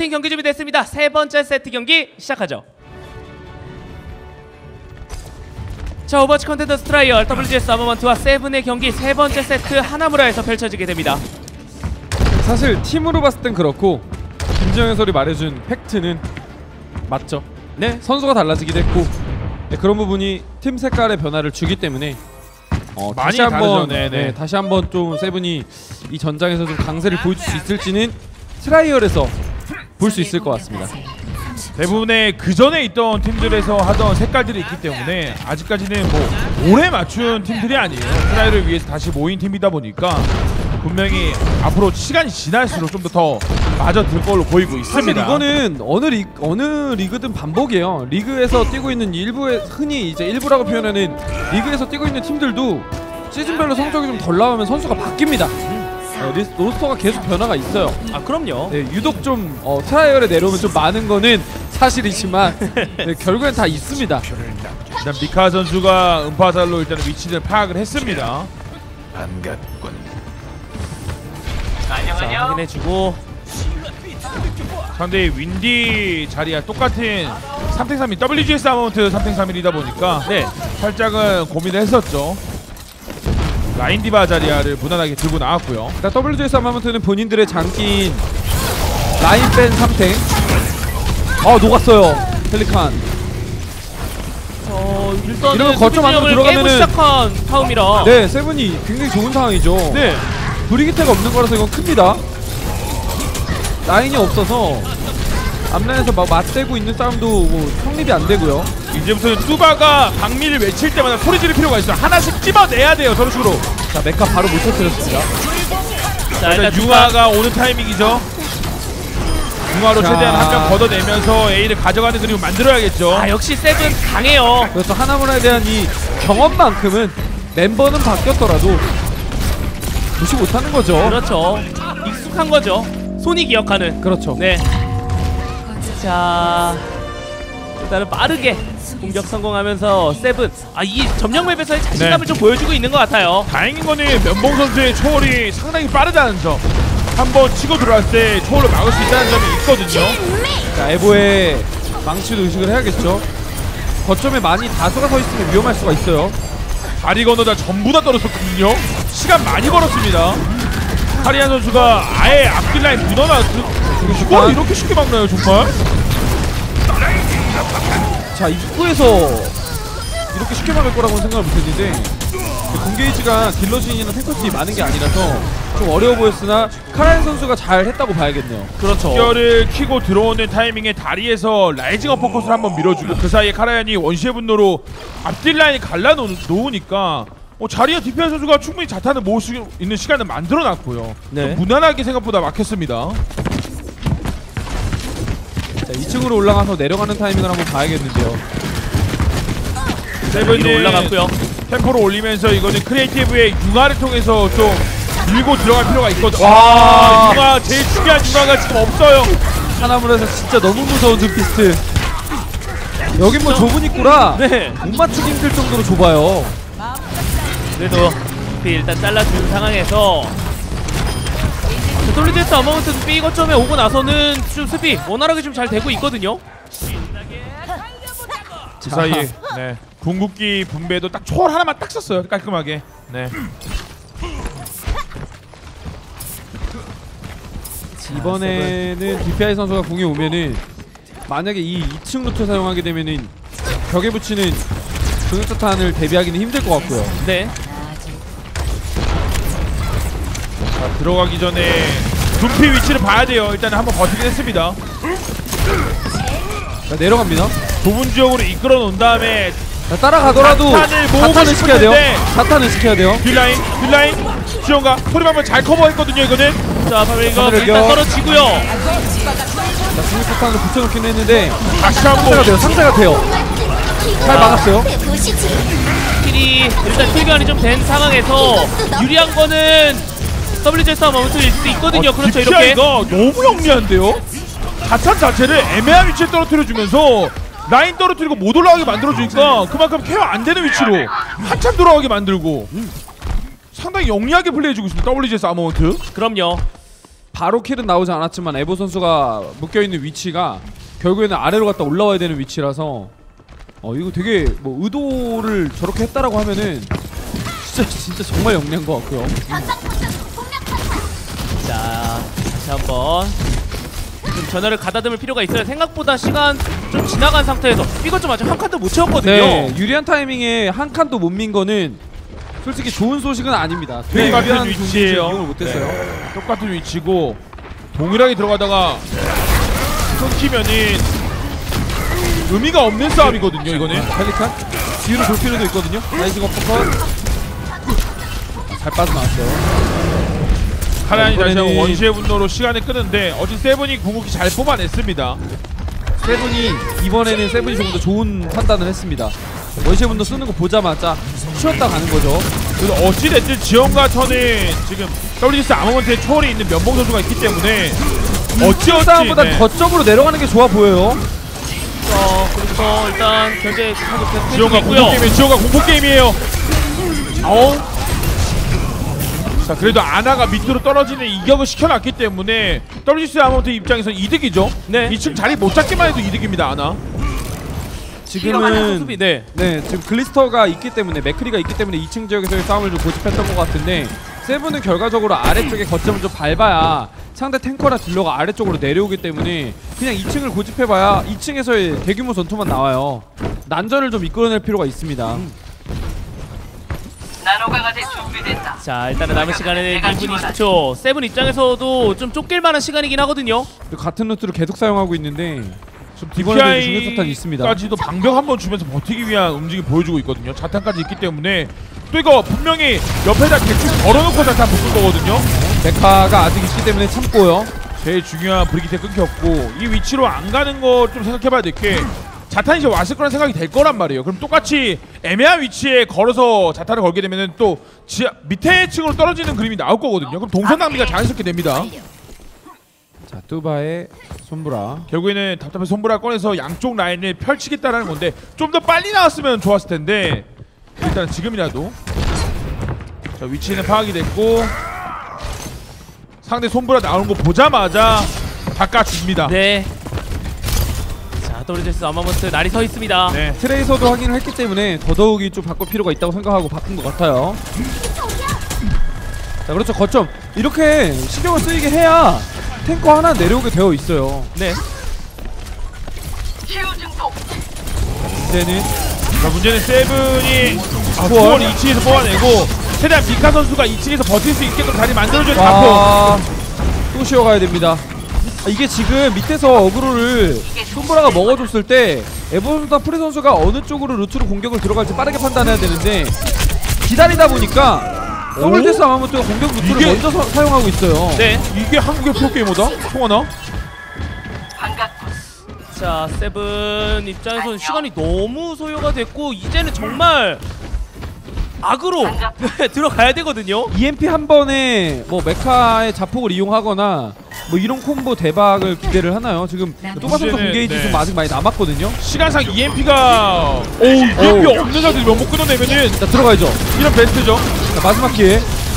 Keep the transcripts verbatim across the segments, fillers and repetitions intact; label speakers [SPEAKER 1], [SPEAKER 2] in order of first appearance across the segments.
[SPEAKER 1] 경기 준비됐습니다. 세 번째 세트 경기 시작하죠. 자, 오버워치 컨텐더스 트라이얼 더블유지에스 아머먼트와 세븐의 경기 세 번째 세트 하나무라에서 펼쳐지게 됩니다.
[SPEAKER 2] 사실 팀으로 봤을 땐 그렇고 김지영 해설이 말해준 팩트는 맞죠. 네, 선수가 달라지기도 했고 네, 그런 부분이 팀 색깔의 변화를 주기 때문에 어,
[SPEAKER 3] 많이
[SPEAKER 2] 다시 한번
[SPEAKER 3] 다르죠.
[SPEAKER 2] 네, 다시 한번 좀 세븐이 이 전장에서 좀 강세를 보여줄 수 있을지는 트라이얼에서 볼 수 있을 것 같습니다.
[SPEAKER 3] 대부분의 그 전에 있던 팀들에서 하던 색깔들이 있기 때문에 아직까지는 뭐 오래 맞춘 팀들이 아니에요. 트라이를 위해서 다시 모인 팀이다 보니까 분명히 앞으로 시간이 지날수록 좀 더 더 맞아들 걸로 보이고 있습니다.
[SPEAKER 2] 사실 이거는 어느 리 어느 리그든 반복이에요. 리그에서 뛰고 있는 일부의 흔히 이제 일부라고 표현하는 리그에서 뛰고 있는 팀들도 시즌별로 성적이 좀 덜 나오면 선수가 바뀝니다. 네, 리스, 로스터가 계속 변화가 있어요.
[SPEAKER 1] 아, 그럼요.
[SPEAKER 2] 네, 유독 좀 어, 트라이얼에 내려오면 좀 많은 거는 사실이지만 네, 결국엔 다 있습니다.
[SPEAKER 3] 일단 미카 선수가 음파살로 일단 위치를 파악을 했습니다.
[SPEAKER 1] 자, 확인해주고
[SPEAKER 3] 상대의 윈디 자리와 똑같은 삼 대 삼인 더블유지에스 아머먼트 삼 대 삼일이다 보니까
[SPEAKER 1] 네,
[SPEAKER 3] 살짝은 고민을 했었죠. 라인 디바 자리아를 무난하게 들고 나왔고요.
[SPEAKER 2] 일단 더블유지에스 아머먼트는 본인들의 장기인 라인 뺀 삼탱. 아, 녹았어요 펠리칸.
[SPEAKER 1] 어, 일단은
[SPEAKER 2] 이러면 거점 안으로
[SPEAKER 1] 수비진영을 깨고
[SPEAKER 2] 들어가면은-
[SPEAKER 1] 시작한 타움이라
[SPEAKER 2] 네, 세븐이 굉장히 좋은 상황이죠.
[SPEAKER 1] 네.
[SPEAKER 2] 브리기테가 없는 거라서 이건 큽니다. 라인이 없어서 앞라인에서 막 맞대고 있는 싸움도 뭐 성립이 안 되고요.
[SPEAKER 3] 이제부터는 뚜바가 박미를 외칠 때마다 소리 지를 필요가 있어요. 하나씩 찝어내야 돼요. 저런 식으로.
[SPEAKER 2] 자, 메카 바로 못 터뜨렸습니다.
[SPEAKER 1] 자,
[SPEAKER 3] 일단
[SPEAKER 1] 일단
[SPEAKER 3] 융화가 오는 타이밍이죠. 융화로
[SPEAKER 2] 자.
[SPEAKER 3] 최대한 한 명 걷어내면서 A를 가져가는 그림을 만들어야겠죠.
[SPEAKER 1] 아, 역시 세븐 강해요.
[SPEAKER 2] 그래서 하나무라에 대한 이 경험만큼은 멤버는 바뀌었더라도 무시 못하는 거죠.
[SPEAKER 1] 그렇죠. 익숙한 거죠. 손이 기억하는.
[SPEAKER 2] 그렇죠.
[SPEAKER 1] 네. 자, 일단은 빠르게 공격 성공하면서 세븐, 아, 이 점령 맵에서의 자신감을
[SPEAKER 3] 네.
[SPEAKER 1] 좀 보여주고 있는 것 같아요.
[SPEAKER 3] 다행인 거는 면봉 선수의 초월이 상당히 빠르다는 점. 한번 치고 들어왔을 때 초월을 막을 수 있다는 점이 있거든요.
[SPEAKER 2] 자, 에보의 망치도 의식을 해야겠죠. 거점에 많이 다수가 서 있으면 위험할 수가 있어요.
[SPEAKER 3] 다리 건너다 전부 다 떨어졌거든요. 시간 많이 벌었습니다. 카리안 선수가 아예 앞길 라인 묻어놨어. 이걸 이렇게 쉽게 막나요 정말?
[SPEAKER 2] 자, 입구에서 이렇게 쉽게 막을 거라고는 생각을 못했는데 공게이지가 딜러진이나 탱커진이 많은 게 아니라서 좀 어려워 보였으나 카라인 선수가 잘 했다고 봐야겠네요.
[SPEAKER 1] 그렇죠.
[SPEAKER 3] 결을 키고 들어오는 타이밍에 다리에서 라이징 어퍼컷을 한번 밀어주고 그 사이에 카라얀이 원시의 분노로 앞길 라인이 갈라놓으니까 어, 자리에 디피아 선수가 충분히 자탄을 모을 수 있는 시간을 만들어놨고요.
[SPEAKER 1] 네.
[SPEAKER 3] 무난하게 생각보다 막혔습니다.
[SPEAKER 2] 자, 이 층으로 올라가서 내려가는 타이밍을 한번 봐야겠는데요.
[SPEAKER 3] 세븐이
[SPEAKER 1] 위로 올라갔고요.
[SPEAKER 3] 템포를 올리면서 이거는 크리에이티브의 융화를 통해서 좀 밀고 들어갈 필요가 있거든요.
[SPEAKER 2] 와.
[SPEAKER 3] 와, 융화 제일 중요한 융화가 지금 없어요.
[SPEAKER 2] 하나물에서 진짜 너무 무서운 둠피스트. 여긴 뭐 좁은 입구라
[SPEAKER 1] 네.
[SPEAKER 2] 못 맞추기 힘들 정도로 좁아요.
[SPEAKER 1] 그래도 일단 잘라준 상황에서 더블유지에스 어머먼트 B 거점에 오고 나서는 좀 수비 원활하게 좀 잘 되고 있거든요.
[SPEAKER 3] 그 사이에 네. 궁극기 분배도 딱 초월 하나만 딱 썼어요. 깔끔하게. 네.
[SPEAKER 2] 이번에는 디피아이 선수가 궁에 오면은 만약에 이 이 층 루트 사용하게 되면은 벽에 붙이는 중력자탄을 대비하기는 힘들 것 같고요.
[SPEAKER 1] 네.
[SPEAKER 3] 자, 들어가기 전에 둠피 위치를 봐야 돼요. 일단 한번 버티긴 했습니다.
[SPEAKER 2] 자, 내려갑니다.
[SPEAKER 3] 좁은 지역으로 이끌어 놓은 다음에
[SPEAKER 2] 자, 따라가더라도
[SPEAKER 3] 자탄을 모으고
[SPEAKER 2] 자탄을 시켜야 돼요.
[SPEAKER 3] 싶은데.
[SPEAKER 2] 자탄을 시켜야 돼요.
[SPEAKER 3] 딜라인, 딜라인, 지원가 소리방면 잘 커버했거든요. 이거는
[SPEAKER 1] 자, 바로 이거
[SPEAKER 2] 하늘을
[SPEAKER 1] 일단
[SPEAKER 2] 껴.
[SPEAKER 1] 떨어지고요.
[SPEAKER 2] 자, 중력자탄을 붙여놓긴 했는데
[SPEAKER 3] 다시
[SPEAKER 2] 상대가
[SPEAKER 3] 한번
[SPEAKER 2] 돼요. 상대가 돼요. 잘 막았어요.
[SPEAKER 1] 킬이 일단 킬교환이 좀 된 상황에서 유리한 거는 더블유지에스 어머먼트일 수도 있거든요.
[SPEAKER 3] 어,
[SPEAKER 1] 그렇죠. 이렇게.
[SPEAKER 3] 디피아이가 너무 영리한데요. 자탄 자체를 애매한 위치에 떨어뜨려주면서 라인 떨어뜨리고 못 올라가게 만들어주니까 그만큼 케어 안 되는 위치로 한참 돌아가게 만들고 상당히 영리하게 플레이해주고 있습니다. 더블유지에스 아머먼트.
[SPEAKER 1] 그럼요.
[SPEAKER 2] 바로 킬은 나오지 않았지만 에보 선수가 묶여있는 위치가 결국에는 아래로 갔다 올라와야 되는 위치라서 어 이거 되게 뭐 의도를 저렇게 했다라고 하면은 진짜 진짜 정말 영리한 것 같고요.
[SPEAKER 1] 자, 다시 한번 좀 전열을 가다듬을 필요가 있어요. 생각보다 시간 좀 지나간 상태에서 이것 좀 아직 한 칸도 못 채웠거든요.
[SPEAKER 2] 네, 유리한 타이밍에 한 칸도 못 민 거는 솔직히 좋은 소식은 아닙니다. 되게
[SPEAKER 3] 똑같은
[SPEAKER 2] 유리한
[SPEAKER 3] 위치예요.
[SPEAKER 2] 이용을 못했어요.
[SPEAKER 3] 네. 똑같은 위치고 동일하게 들어가다가 끊기면은 의미가 없는 싸움이거든요. 이거는
[SPEAKER 2] 펠리칸 뒤로 돌 필요도 있거든요. 라이징 어퍼컷 잘 빠져나왔어요.
[SPEAKER 3] 카란이 다시 한번
[SPEAKER 2] 이번에는-
[SPEAKER 3] 원시의 분노로 시간을 끄는데 어제 세븐이 궁극기 잘 뽑아냈습니다.
[SPEAKER 2] 세븐이 이번에는 세븐이 조금 더 좋은 판단을 했습니다. 원시의 분도 쓰는 거 보자마자 쉬었다 가는 거죠.
[SPEAKER 3] 그래서 어찌됐든 지원과 턴은 지금 더블유지에스 아머먼트에 초월이 있는 면봉 선수가 있기 때문에 어찌어찌
[SPEAKER 2] 싸움보다
[SPEAKER 3] 네.
[SPEAKER 2] 거점으로 내려가는 게 좋아 보여요.
[SPEAKER 1] 자, 그래서 일단 견제 계속
[SPEAKER 3] 지원과
[SPEAKER 1] 계속
[SPEAKER 3] 공포
[SPEAKER 1] 있고요.
[SPEAKER 3] 게임이에요. 지원과 공포 게임이에요. 아우. 자 그래도 아나가 밑으로 떨어지는 이격을 시켜놨기 때문에 더블유지에스 아머먼트 입장에서는 이득이죠.
[SPEAKER 1] 네.
[SPEAKER 3] 이 층 자리 못 잡기만 해도 이득입니다. 아나.
[SPEAKER 2] 지금은
[SPEAKER 1] 수비, 네.
[SPEAKER 2] 네 지금 글리스터가 있기 때문에 맥크리가 있기 때문에 이 층 지역에서의 싸움을 좀 고집했던 것 같은데 세븐은 결과적으로 아래쪽에 거점을 좀 밟아야 상대 탱커나 딜러가 아래쪽으로 내려오기 때문에 그냥 이 층을 고집해봐야 이 층에서의 대규모 전투만 나와요. 난전을 좀 이끌어낼 필요가 있습니다.
[SPEAKER 4] 나노강아지 준비됐다.
[SPEAKER 1] 자, 일단은 남은 시간에는 이 분 이십 초. 세븐 입장에서도 좀 쫓길 만한 시간이긴 하거든요.
[SPEAKER 2] 그리고 같은 루트를 계속 사용하고 있는데 이번에도 중요사탄이 있습니다.
[SPEAKER 3] 까지도 방벽 한번 주면서 버티기 위한 움직임 보여주고 있거든요. 자탄까지 있기 때문에 또 이거 분명히 옆에다 대충 걸어놓고 자탄 붙을 거거든요.
[SPEAKER 2] 메카가 아직 있기 때문에 참고요.
[SPEAKER 3] 제일 중요한 브리기테 끊겼고 이 위치로 안 가는 거 좀 생각해봐야 될 게 자탄이 이제 왔을 거란 생각이 될 거란 말이에요. 그럼 똑같이 애매한 위치에 걸어서 자탄을 걸게 되면은 또 지하 밑에 층으로 떨어지는 그림이 나올 거거든요. 그럼 동선 낭비가 자연스럽게 됩니다.
[SPEAKER 2] 자 뚜바의 손브라.
[SPEAKER 3] 결국에는 답답해 손브라 꺼내서 양쪽 라인을 펼치겠다라는 건데 좀 더 빨리 나왔으면 좋았을 텐데 일단 지금이라도 자 위치는 파악이 됐고 상대 손브라 나오는 거 보자마자 바꿔줍니다.
[SPEAKER 1] 네. 자, 더블유지에스 아마먼트 날이 서 있습니다.
[SPEAKER 3] 네.
[SPEAKER 2] 트레이서도 확인을 했기 때문에 더더욱이 좀 바꿀 필요가 있다고 생각하고 바꾼 것 같아요. 자 그렇죠. 거점 이렇게 신경을 쓰이게 해야 탱커 하나 내려오게 되어 있어요.
[SPEAKER 1] 네.
[SPEAKER 4] 치유 증폭.
[SPEAKER 2] 이제는
[SPEAKER 3] 자 문제는 세븐이 아,
[SPEAKER 2] 투월.
[SPEAKER 3] 투월 이 층에서 뽑아내고 최대한 미카 선수가 이 층에서 버틸 수 있게끔 자리 만들어줘야 잡고
[SPEAKER 2] 아, 또 쉬어가야 됩니다. 아, 이게 지금 밑에서 어그로를 손보라가 먹어줬을 때 에버선수와 프리 선수가 어느 쪽으로 루트로 공격을 들어갈지 빠르게 판단해야 되는데 기다리다 보니까 더블유지에스 아마모토가 공격 루트를
[SPEAKER 3] 이게-
[SPEAKER 2] 먼저 서, 사용하고 있어요.
[SPEAKER 1] 네.
[SPEAKER 3] 이게 한국의 프로게이머다? 총하나?
[SPEAKER 4] 반갑군.
[SPEAKER 1] 자, 세븐 입장에서는 시간이 너무 소요가 됐고 이제는 정말 악으로 네, 들어가야 되거든요.
[SPEAKER 2] 이엠피 한 번에 뭐 메카의 자폭을 이용하거나 뭐 이런 콤보 대박을 기대를 하나요? 지금 또바 선수
[SPEAKER 3] 문제는,
[SPEAKER 2] 공개이지
[SPEAKER 3] 네.
[SPEAKER 2] 좀 아직 많이 남았거든요.
[SPEAKER 3] 시간상 이엠피가 오 이엠피
[SPEAKER 2] 오.
[SPEAKER 3] 없는 상태에서 면목 끊어내면은
[SPEAKER 2] 자 들어가야죠.
[SPEAKER 3] 이런 베스트죠.
[SPEAKER 2] 자, 마지막 기회.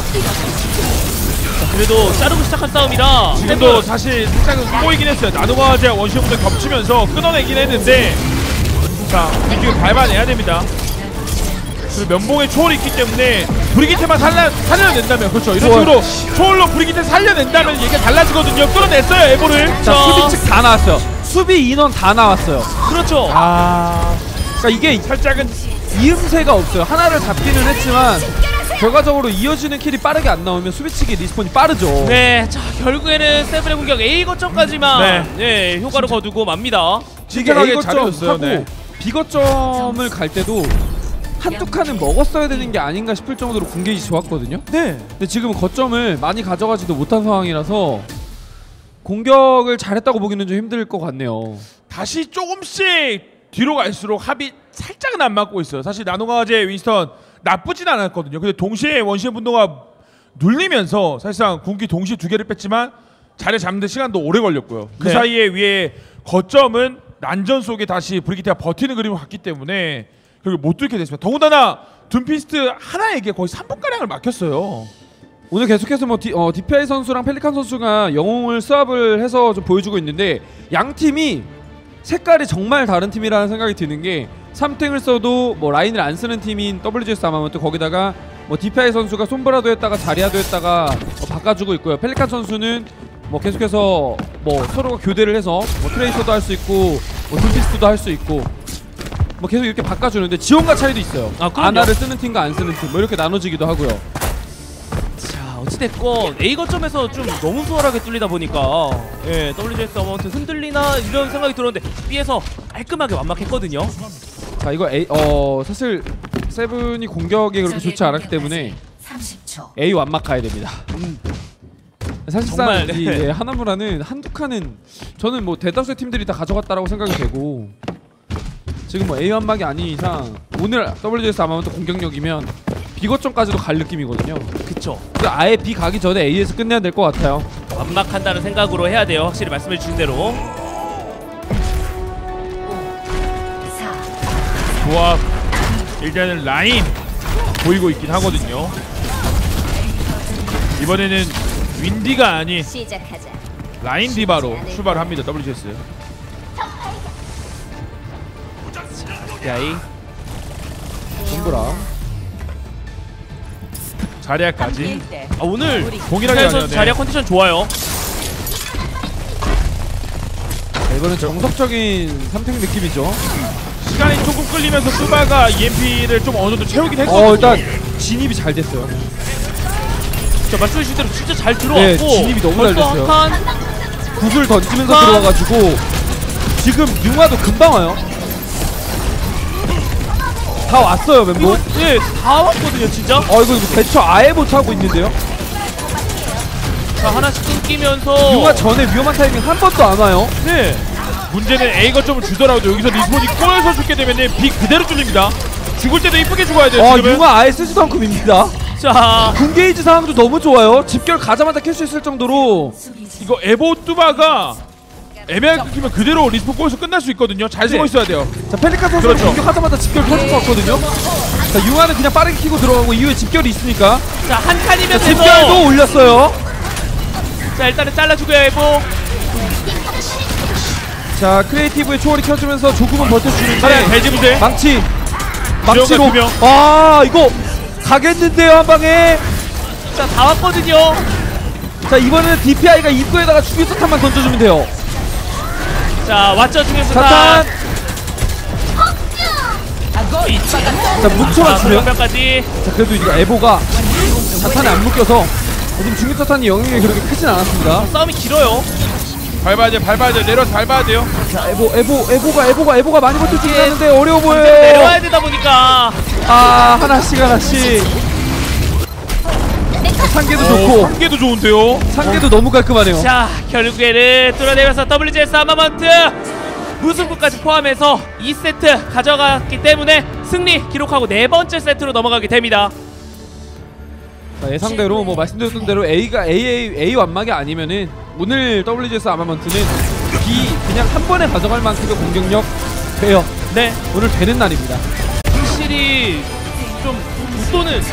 [SPEAKER 1] 자, 그래도 자르고 시작한 싸움이라
[SPEAKER 3] 지금도 사실 살짝은 꼬이긴 했어요. 나노가제와 원시부터 겹치면서 끊어내긴 했는데 자 뒤쪽에 밟아내야 됩니다. 그리고 면봉에 초월이 있기 때문에 브리기테만 살려, 살려낸다면 그렇죠 이런
[SPEAKER 2] 초월.
[SPEAKER 3] 식으로 초월로 브리기테 살려낸다면 얘기가 달라지거든요. 끊어냈어요 에보를.
[SPEAKER 2] 자
[SPEAKER 1] 자.
[SPEAKER 2] 수비 측 다 나왔어요. 수비 인원 다 나왔어요.
[SPEAKER 1] 그렇죠.
[SPEAKER 3] 아
[SPEAKER 2] 그러니까 이게
[SPEAKER 3] 살짝은
[SPEAKER 2] 이음새가 없어요. 하나를 잡기는 했지만 결과적으로 이어지는 킬이 빠르게 안 나오면 수비 측의 리스폰이 빠르죠.
[SPEAKER 1] 네, 자 결국에는 세븐의 공격 A 거점까지만 네, 효과를 거두고 맙니다.
[SPEAKER 2] 이게
[SPEAKER 3] 진짜하게
[SPEAKER 2] A 거점
[SPEAKER 3] 잘해줬어요.
[SPEAKER 2] 하고
[SPEAKER 3] 네.
[SPEAKER 2] B 거점을 갈 때도 한두 칸은 먹었어야 되는 게 아닌가 싶을 정도로 궁계이 좋았거든요.
[SPEAKER 1] 네.
[SPEAKER 2] 근데 지금은 거점을 많이 가져가지도 못한 상황이라서 공격을 잘했다고 보기는 좀 힘들 것 같네요.
[SPEAKER 3] 다시 조금씩 뒤로 갈수록 합이 살짝은 안 맞고 있어요. 사실 나노가제 윈스턴 나쁘진 않았거든요. 근데 동시에 원시의 분노가 눌리면서 사실상 궁기 동시에 두 개를 뺐지만 자리 잡는 데 시간도 오래 걸렸고요. 그
[SPEAKER 1] 네.
[SPEAKER 3] 사이에 위에 거점은 난전 속에 다시 브리기테가 버티는 그림을 갔기 때문에 결국 못 뚫게 됐습니다. 더군다나 둠피스트 하나에게 거의 삼 분가량을 막혔어요.
[SPEAKER 2] 오늘 계속해서 뭐 디, 어, 디피아이 선수랑 펠리칸 선수가 영웅을 스왑을 해서 좀 보여주고 있는데 양 팀이 색깔이 정말 다른 팀이라는 생각이 드는 게 삼 탱을 써도 뭐 라인을 안 쓰는 팀인 더블유지에스 아마먼트, 거기다가 뭐 디피아이 선수가 솜브라도 했다가 자리아도 했다가 뭐 바꿔주고 있고요. 펠리칸 선수는 뭐 계속해서 뭐 서로가 교대를 해서 뭐 트레이서도 할 수 있고 뭐 둠피스트도 할 수 있고 뭐 계속 이렇게 바꿔주는데 지원과 차이도 있어요.
[SPEAKER 1] 아, 그럼요.
[SPEAKER 2] 아나를 쓰는 팀과 안 쓰는 팀 뭐 이렇게 나눠지기도 하고요.
[SPEAKER 1] 자, 어찌됐건 A 거점에서 좀 너무 수월하게 뚫리다 보니까 예, 더블유지에스 아마운트 흔들리나 이런 생각이 들었는데 B에서 깔끔하게 완막했거든요.
[SPEAKER 2] 자 이거 A 어 사실 세븐이 공격이 그렇게 좋지 않았기 때문에
[SPEAKER 4] 삼십 초.
[SPEAKER 2] A 완막 가야 됩니다.
[SPEAKER 1] 음.
[SPEAKER 2] 사실상
[SPEAKER 1] 정말, 네.
[SPEAKER 2] 이 예, 하나무라는 한두 칸은 저는 뭐 대다수의 팀들이 다 가져갔다라고 생각이 되고 지금 뭐 A 완막이 아닌 이상 오늘 더블유지에스 아마먼트 공격력이면 B 거점까지도 갈 느낌이거든요.
[SPEAKER 1] 그쵸.
[SPEAKER 2] 그래서 아예 B 가기 전에 A에서 끝내야 될 것 같아요.
[SPEAKER 1] 완막한다는 생각으로 해야 돼요. 확실히 말씀해 주신 대로.
[SPEAKER 3] 조합 일단은 라인 보이고 있긴 하거든요. 이번에는 윈디가 아닌
[SPEAKER 5] 시작하자.
[SPEAKER 3] 라인 디바로 출발을 합니다. 더블유지에스.
[SPEAKER 1] 야이.
[SPEAKER 2] 솜브라
[SPEAKER 3] 자리아까지.
[SPEAKER 1] 아, 오늘
[SPEAKER 3] 동일하게
[SPEAKER 1] 선수
[SPEAKER 3] 가네요. 네.
[SPEAKER 1] 자리아 컨디션 좋아요.
[SPEAKER 2] 자, 이거는 정석적인 삼 탱 느낌이죠.
[SPEAKER 3] 시간이 조금 끌리면서 뚜바가 이엠피를 좀 어느 정도 채우긴 했거든요.
[SPEAKER 2] 어 일단 진입이 잘 됐어요.
[SPEAKER 1] 자, 말씀해 주신 대로 진짜 잘 들어왔고
[SPEAKER 2] 네, 진입이 너무 잘
[SPEAKER 1] 벌써
[SPEAKER 2] 됐어요.
[SPEAKER 1] 한 칸.
[SPEAKER 2] 굿을 던지면서
[SPEAKER 1] 아.
[SPEAKER 2] 들어와가지고 지금 융화도 금방 와요. 다 왔어요 멤버.
[SPEAKER 1] 이거 예, 다 왔거든요, 진짜.
[SPEAKER 2] 어 이거 대처 아예 못하고 있는데요.
[SPEAKER 1] 자, 하나씩 끊기면서
[SPEAKER 2] 융화 전에 위험한 타이밍 한 번도 안 와요.
[SPEAKER 1] 네.
[SPEAKER 3] 문제는 A 거점을 주더라도 여기서 리스폰이 꼬여서 죽게 되면 B 그대로 뚫립니다. 죽을 때도 이쁘게 죽어야 돼요.
[SPEAKER 2] 어
[SPEAKER 3] 지금은.
[SPEAKER 2] 융화 아예 쓰지도 않고 밉니다.
[SPEAKER 1] 자,
[SPEAKER 2] 군게이지 상황도 너무 좋아요. 집결 가자마자 캘 수 있을 정도로.
[SPEAKER 3] 이거 에보 뚜바가 애매하게 끊기면 그대로 리스폰 꼬여서 끝날 수 있거든요. 잘 숨어 있어야 돼요.
[SPEAKER 2] 자 펠리칸 선수는
[SPEAKER 3] 그렇죠.
[SPEAKER 2] 공격하자마자 집결 터질 것 같거든요. 자 융화는 그냥 빠르게 키고 들어가고 이후에 집결이 있으니까.
[SPEAKER 1] 자, 한 칸이면
[SPEAKER 2] 자,
[SPEAKER 1] 돼서
[SPEAKER 2] 집결도 올렸어요.
[SPEAKER 1] 자, 일단은 잘라주고요, 에보.
[SPEAKER 2] 자 크리에이티브의 초월이 켜주면서 조금은
[SPEAKER 3] 차라리
[SPEAKER 2] 버텨주는데
[SPEAKER 3] 돼지 부대.
[SPEAKER 2] 망치
[SPEAKER 3] 두
[SPEAKER 2] 망치로
[SPEAKER 3] 명.
[SPEAKER 2] 아 이거 가겠는데요 한 방에.
[SPEAKER 1] 자, 다 왔거든요.
[SPEAKER 2] 자 이번에는 디피아이가 입구에다가 추기수탄만 던져주면 돼요.
[SPEAKER 1] 자, 왔죠, 중에서
[SPEAKER 2] 자탄. 자
[SPEAKER 1] 자,
[SPEAKER 2] 뭉쳐만 주면.
[SPEAKER 1] 명까지.
[SPEAKER 2] 자 그래도 이거 에보가 자탄에 안 묶여서 지금 중기사탄이 영향이 그렇게 크진 않았습니다.
[SPEAKER 1] 싸움이 길어요.
[SPEAKER 3] 밟아야 돼요. 밟아야 돼요. 내려서 밟아야 돼요.
[SPEAKER 2] 자 에보 에보 에보가 에보가 에보가 많이 버텨주긴 하는데 어려워 보여요.
[SPEAKER 1] 내려와야 되다 보니까.
[SPEAKER 2] 아 하나씩 하나씩. 상계도 좋고
[SPEAKER 3] 한 개도 좋은데요.
[SPEAKER 2] 상계도 너무 깔끔하네요.
[SPEAKER 1] 자, 결국에는 뚫어내면서 더블유지에스 아마먼트 무승부까지 포함해서 이 세트 가져갔기 때문에 승리 기록하고 네 번째 세트로 넘어가게 됩니다.
[SPEAKER 2] 자, 예상대로 뭐 말씀드렸던 대로 A가 A A A 완막이 아니면은 오늘 더블유지에스 아마먼트는 B 그냥 한 번에 가져갈 만큼의 공격력 돼요.
[SPEAKER 1] 네,
[SPEAKER 2] 오늘 되는 날입니다.
[SPEAKER 1] 확실히 좀 웃도는